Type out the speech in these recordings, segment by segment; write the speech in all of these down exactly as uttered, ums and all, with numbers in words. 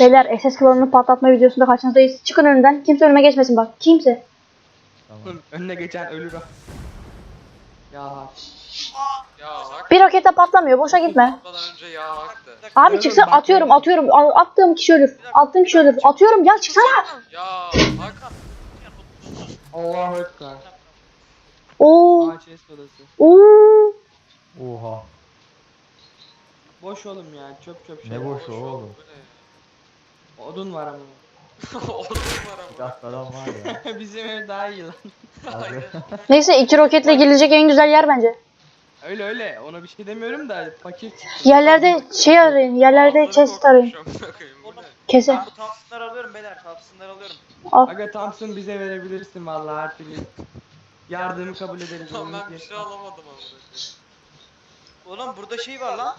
Beyler S S klanını patlatma videosunda karşınızdayız. Çıkın önümden. Kimse önüme geçmesin bak. Kimse. Tamam. Önüne geçen ölür o. Ya Ya hak. Bir roketle patlamıyor. Boşa gitme. Patmadan önce ya haktı. Abi çıksa atıyorum atıyorum. A- Attığım kişi ölür. Attığım kişi ölür. Atıyorum ya çıksana. Ya hak. Allahu Ekber. Oo. Ağaç es odası. Oo. Oha. Boş oğlum ya, çöp çöp şey. Ne boş Boş oğlum. Bu Odun var ama. ne? Odun var Bir ama. dakika adam var ya. Bizim ev daha iyi lan. Abi. Neyse iki roketle gelecek en güzel yer bence. Öyle öyle, ona bir şey demiyorum da fakir çıktı. Yerlerde şey arayın. Yerlerde chest arayın. Bu ne? Kese. Ben bu Thompson'ları alıyorum beyler, Thompson'ları alıyorum. Al. Aga Thompson bize verebilirsin vallahi her türlü. Yardımı kabul ederiz. Tamam onu ben bir diye. şey alamadım ama. Oğlum burada şey var lan.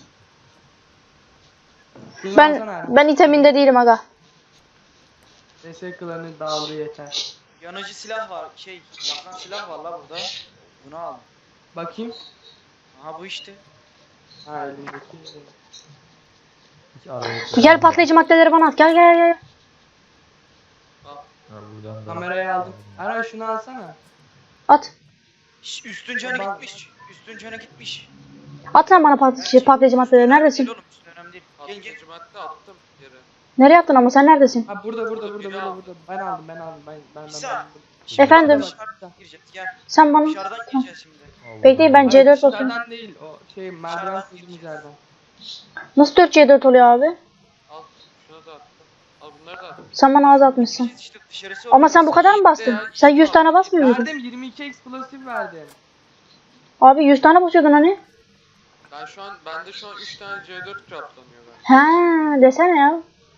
Şunu Ben alsana. ben iteminde değilim aga. S S klanı dağıldı yeter. Yanıcı silah var, şey, yakan silah var la burada. Bunu al. Bakayım. Aha bu işte. Ha elimdeki. Hiç araya. Gel patlayıcı maddeleri bana at. Gel gel gel. Ha, buradan da. Kamerayı aldım. Ara şunu alsana. At. Şş, üstün canı Bak- gitmiş. Üstün canı gitmiş. At lan bana patlayıcı, patlayıcı maddeleri. Neredesin? Değil oğlum, üstün önemli değil. Gel gel. Patlayıcı madde attım yere. Nereye attın ama sen neredesin? Ha burada burada burada Biri burada al. burada. Ben aldım ben aldım ben ben ben. İsa. ben. Şimdi Efendim? Dışarıdan gireceğiz, gel. Sen bana... Dışarıdan gireceğiz şimdi. Allah Bekleyin ben Allah. C dört Hayır, basıyorum. dışarıdan değil o şey merdiven sizin yerden. Nasıl dört C dört oluyor abi? Al şunu da attım. Al bunları da attım. Sen bana az atmışsın. Biz işte dışarısı Ama sen bu kadar mı bastın? Sen yüz tane basmıyor muydun? Verdim yirmi iki explosive verdim. Abi yüz tane basıyordun hani. Ben şu an bende şu an üç tane C dört craftlanıyor ben. Ha desene ya.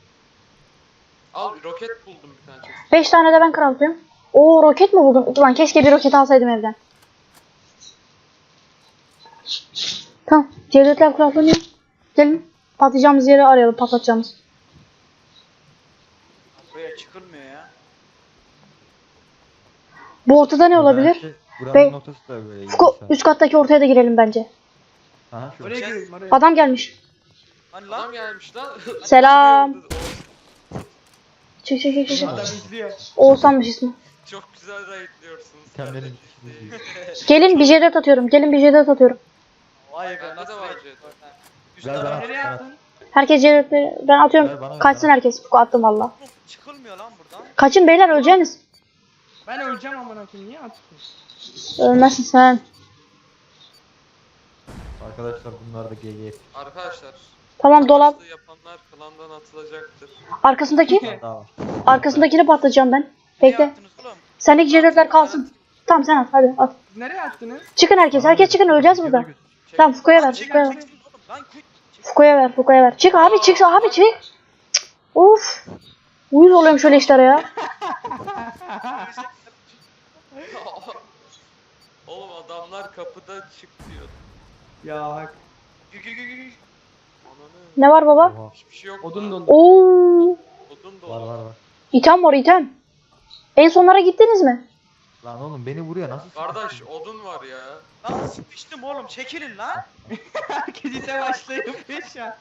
Al roket buldum bir tane chest. beş tane de ben craftlıyorum. Oo roket mi buldun? Ulan keşke bir roket alsaydım evden. Tamam. C dörtler craftlanıyor. Gelin. Patlayacağımız yeri arayalım. Patlatacağımız. Buraya çıkılmıyor ya. Bu ortada ne olabilir? Belki Buranın Bey- noktası da böyle. Fuko, iyiyse. üst kattaki ortaya da girelim bence. Aha şu. Oraya girelim oraya. Adam gelmiş. Hani Adam lan? gelmiş lan. Selam. Çık çık çık çık. Adam izliyor. Oğuzhan'mış ismi. Çok güzel raidliyorsunuz. Kendini Gelin bir C dört atıyorum. Gelin bir C dört atıyorum. Vay be, Bende de nasıl var renk? C dört. Üst Ver taraf bana. Nereye attın? Herkes C dörtleri ben Ver atıyorum. bana, ver Kaçsın bana. herkes. Fuko attım valla. çıkılmıyor lan buradan. Kaçın beyler öleceğiniz. Ben öleceğim amına koyayım niye attın? Ölmezsin sen. Arkadaşlar bunlar da G G. Arkadaşlar. Tamam dolap. savaşlığı yapanlar klandan atılacaktır. Arkasındaki. Bir daha var. Arkasındakini patlatacağım ben. Ne Bekle. yaptınız oğlum? Sendeki C dörtler kalsın. Tamam sen at hadi at. Nereye attınız? Çıkın herkes. Herkes çıkın öleceğiz burada. Çek. Tamam Fuko'ya ver. Çek, Fuko'ya ver. çek, çek oğlum. Lan kuyt. Çek. Fuko'ya ver. Fuko'ya ver. Çık abi çık abi çık. Cık. Uf. Uyuz oluyorum şöyle işlere ya. Oğlum adamlar kapıda çık diyor. Ya hak. Gül gül gül gül. Ananı. Ne var baba? Oha. Hiçbir şey yok. Odun lan. dolu. Oo. Odun Var dolu. var var. İtem var item. En sonlara gittiniz mi? Lan oğlum beni vuruyor nasıl? Kardeş odun var ya. Lan sıkıştım oğlum, çekilin lan. Herkes ite başlayıp ya.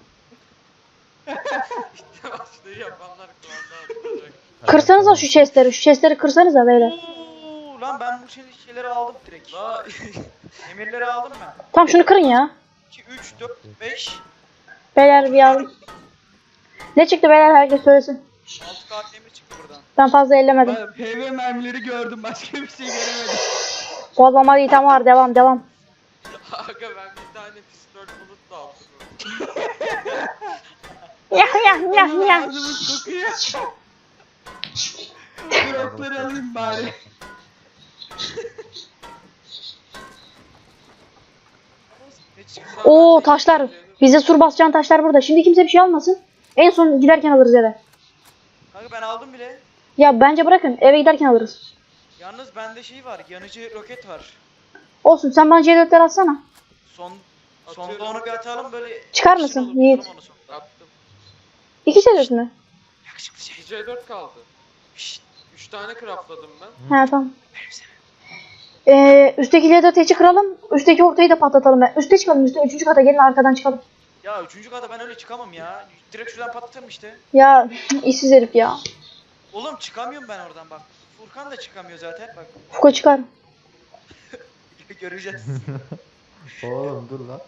Başlığı yapanlar klandan atılacak. Kırsanıza şu chestleri. Şu chestleri kırsanıza beyler. Oo, lan ben bu şey- şeyleri aldım direkt. La Emirleri aldım ben. Tamam şunu kırın ya. iki, üç, dört, beş, Beyler bir alın. Ne çıktı beyler herkes söylesin. altı kağıt demir çıktı buradan. Ben fazla ellemedim. Ben P V mermileri gördüm başka bir şey göremedim. Bozmamalı item var devam devam. aga ben bir tane pistol bulut da aldım. Yah yah yah yah. Ağzımız kokuyor. Dropları alayım bari. Ne çıktı? Oo taşlar. Bize sur basacağın taşlar burada. Şimdi kimse bir şey almasın. En son giderken alırız eve. Kanka ben aldım bile. Ya bence bırakın eve giderken alırız. Yalnız bende şey var, yanıcı roket var. Olsun sen bana C dörtler atsana. Son Atıyorum. sonda onu bir atalım böyle. Çıkar action mısın olur, Yiğit? tutalım onu sonda. Attım. İki C dört mü? Yakışıklı Bir şey. C dört kaldı. Şşt. üç tane craftladım ben. He tamam. Ee, üstteki C dört H'i kıralım. Üstteki ortayı da patlatalım. Ben. Üste çıkalım üstte. Üçüncü kata gelin arkadan çıkalım. Ya üçüncü kata ben öyle çıkamam ya. Direkt şuradan patlatırım işte. Ya işsiz herif ya. Oğlum çıkamıyorum ben oradan bak. Furkan da çıkamıyor zaten bak. Fuko çıkar. Göreceğiz. Oğlum dur lan.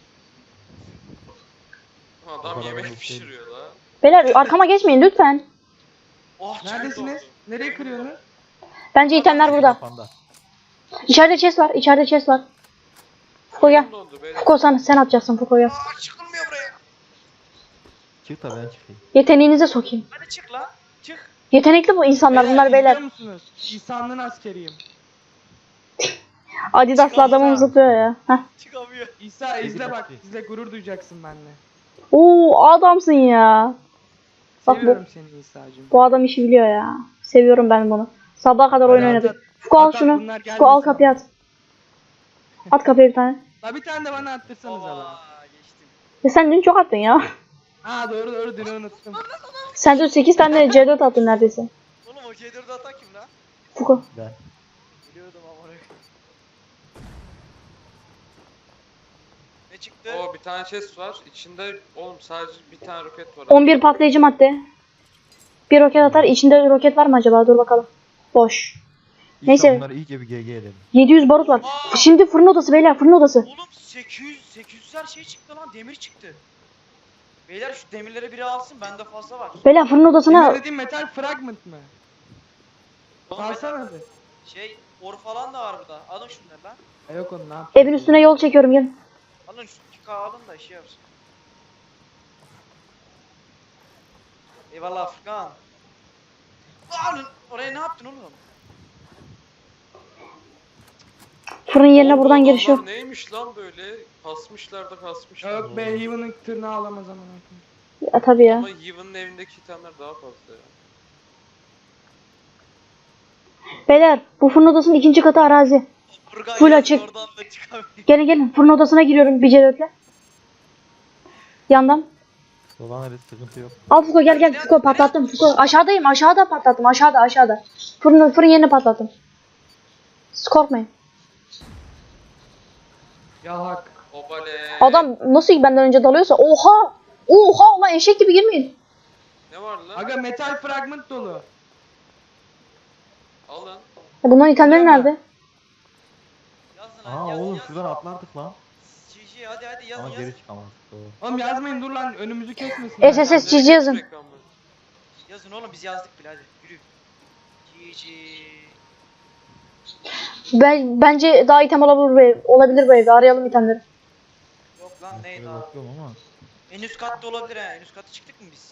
Adam kadar yemek mutlu pişiriyor la. Beyler arkama geçmeyin lütfen. Oh Neredesiniz? Nereye kırıyorsunuz? Bence itemler burada. Kafanda. İçeride chest var. İçeride chest var. Fuko gel. Oyun dondu beyler. Fuko sen, sen atacaksın Fuko gel. Aa, çıkılmıyor buraya. Çık da ben çıkayım. Yeteneğinize sokayım. Hadi çık lan. Çık. Yetenekli bu insanlar bunlar izliyor beyler. musunuz? İsa'nın askeriyim. Adidas'lı adamım zıplıyor ya. Heh. Çıkamıyor. İsa izle Peki, bak. peki. İzle gurur duyacaksın benimle. Oo adamsın ya. Bak bu, Seviyorum seni İsa'cığım. bu adam işi biliyor ya. Seviyorum ben bunu. Sabaha kadar oyun Hadi oynadık. at, at. Fuko al At, at, şunu. bunlar Fuko al gelmesin. kapıya at. At kapıya bir tane. La bir tane de bana attırsanız Baba ala. geçtim. Ya sen dün çok attın ya. Aa doğru doğru dün unuttum. Sen dün sekiz tane C dört attın neredeyse. Oğlum o C dördü atan kim lan? Fuko. Ben. Biliyordum ama orayı. Ne çıktı? O bir tane chest var. İçinde oğlum sadece bir tane roket var. on bir patlayıcı madde. Bir roket atar. İçinde roket var mı acaba? Dur bakalım. Boş. İsa Neyse. bunları iyice bir G G edelim. yedi yüz barut var. Şimdi fırın odası beyler fırın odası. Oğlum sekiz yüz sekiz yüzler şey çıktı lan, demir çıktı. Beyler şu demirleri biri alsın, bende fazla var. Beyler fırın odasına Emre dediğim metal fragment mı? Oğlum Alsana bir. şey, or falan da var burada. Alın şunları lan. E, yok onu ne yapayım? evin üstüne yol çekiyorum gelin. Alın şu iki K alın da işe yapsın. Eyvallah Furkan. Alın. Oraya ne yaptın oğlum? Fırın yerine Oğlum, buradan bu giriş yok. adamlar neymiş lan böyle? Kasmışlar da kasmışlar. Yok be Heaven'ın tırnağı alamaz ama. Ya tabii ya. Ama Yevon'un evindeki itemler daha fazla ya. Beyler bu fırın odasının ikinci katı arazi. Furkan Full yazın, açık. oradan da çıkamıyor. Gelin gelin fırın odasına giriyorum bir C dörtle. Yandan. Dolanırız sıkıntı yok. Al Fuko gel gel Fuko patlattım Fuko. Aşağıdayım aşağıda patlattım aşağıda aşağıda. Fırın, fırın yerini patlattım. Siz korkmayın. Ya hak. Obale. Adam nasıl ki benden önce dalıyorsa oha. Oha lan eşek gibi girmeyin. Ne var lan? Aga metal fragment dolu. Alın. Ya bunların itemleri Hocam nerede? Yazın lan, Aa yazın, oğlum yazın. şuradan atlardık lan. G G hadi hadi yazın Ama yazın. geri çıkamadık. Doğru. Oğlum yazmayın dur lan önümüzü kesmesin. S S S çiz yazın. Ekran var. Yazın oğlum, biz yazdık bile, hadi yürü. G G. Ben, bence daha item olabilir bu ev. Olabilir bu evde. Arayalım itemleri. Yok lan Ben neydi şöyle abi? bakıyorum ama. En üst katta olabilir ha. En üst kata çıktık mı biz?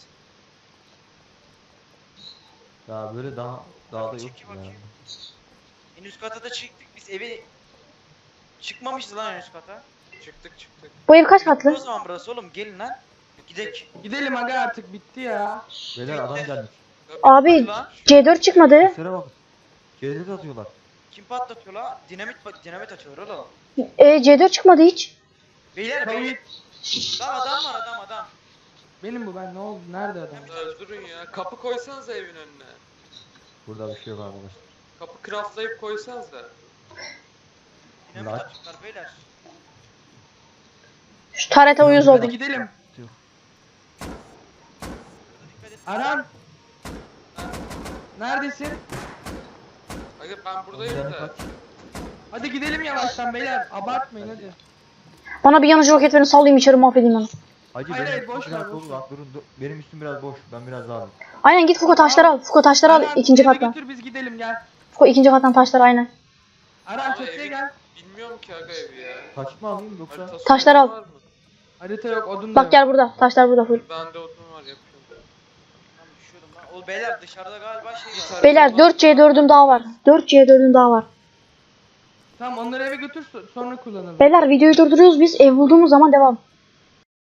Ya böyle daha daha da yok Çekil ya. bakayım. En üst kata da çıktık biz, evi çıkmamışız lan en üst kata. Çıktık çıktık. Bu ev kaç O katlı? zaman burası oğlum, gelin lan. Gidek. Gidelim aga artık bitti ya. Beyler adam gelmiş. Ya Abi bitti lan. C dört çıkmadı. Seslere bak. G D atıyorlar. Kim patlatıyor la? Dinamit dinamit atıyor oğlum. E, C dört çıkmadı hiç. Beyler Tamam, beyler. Lan adam var, adam adam. Benim bu ben ne oldu? Nerede adam? Öldürün ya. Kapı koysanız evin önüne. Burada bir şey yok arkadaşlar. Kapı craftlayıp koysanız da. Dinamit Lan. atıyorlar beyler. Şu tarete uyuz Hadi oldum. gidelim. Yok. Dikkat et. Aran. Neredesin? Aga ben buradayım Canı da. kaç? Hadi gidelim yavaştan beyler. Abartmayın hadi. Bana bir yanıcı roket verin sallayayım içeri mahvedeyim onu. Hacı Hayır, benim hayır, boş üstüm ver, biraz boş dolu ver. lan. Durun dur. Benim üstüm biraz boş. Ben biraz daha alayım. Aynen git Fuko taşları al. Fuko taşları al Aran, ikinci eve kattan. götür biz gidelim gel. Fuko ikinci kattan taşları aynen. Aran Ama çatıya evi- gel. Bilmiyorum ki aga evi ya. Taş mı alayım yoksa? Haritası Taşlar olan al. var mı? Harita yok odun da Bak yok. gel burada. Taşlar burada full. Bende odun var yapıyorum. Lan düşüyordum lan. O beyler dışarıda galiba şey var. Beyler dört C dördüm daha var. dört C dördüm daha var. Tamam onları eve götür so- sonra kullanalım. Beyler videoyu durduruyoruz biz. Ev bulduğumuz zaman devam.